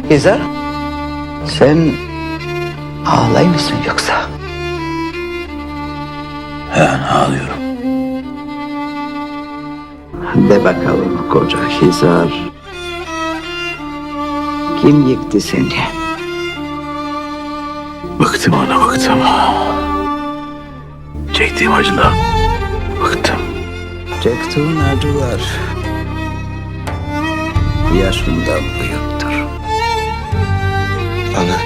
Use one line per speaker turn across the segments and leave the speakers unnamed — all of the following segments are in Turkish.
Hizar, sen ağlay mısın yoksa?
Ben ağlıyorum.
De bakalım koca Hizar. Kim yıktı seni?
Bıktım ana, bıktım. Çektiğim acıdan bıktım.
Çektiğin acılar yaşından büyüktür.
Ana.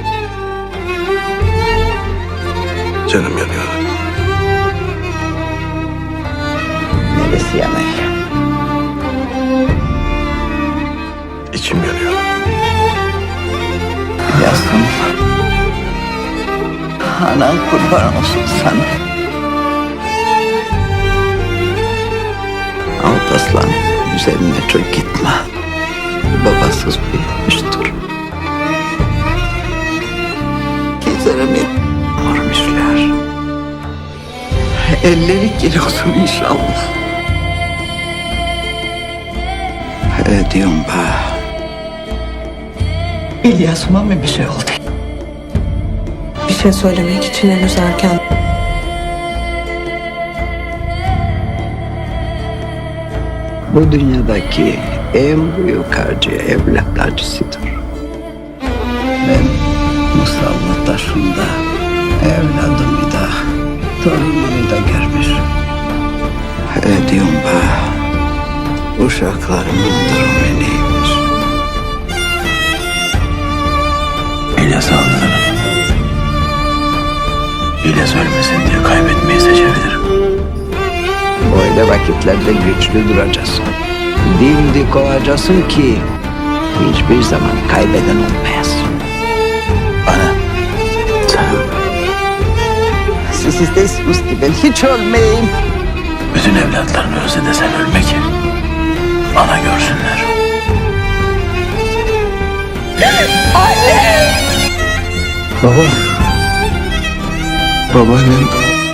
Canım yanıyor.
Neresi yanıyor?
İçim yanıyor.
Yazdım. Anan kurban olsun sana. Alparslan üzerine çok gitme. Babasız büyümüştür. Hizar'ımı vurmuşlar. Elleri kir olsun inşallah. Diyorum ba. İlyas'ıma mı bir şey oldu?
Bir şey söylemek için henüz erken.
Bu dünyadaki en büyük acı evlat acısıdır. Ben musallat taşında evladımı da torunumu da görmüşüm. Diyorum ba, uşaklarımın durumu neymiş?
İlyas'ı aldılar. İlyas ölmesin diye kaybetmeyi seçebilirim.
Böyle vakitlerde güçlü duracaksın. Dimdik olacaksın ki hiçbir zaman kaybeden olmayasın.
Ana, sen
Siz istersiniz ki ben hiç ölmeyeyim.
bütün evlatlarını özle de sen ölme ki ana görsünler.
Baba. Babaannem.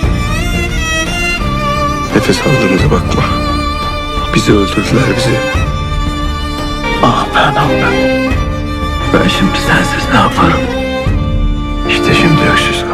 Nefes aldığımıza bakma. Bizi öldürdüler bizi.
Ah ben ben. Ben şimdi sensiz ne yaparım? İşte şimdi öksüz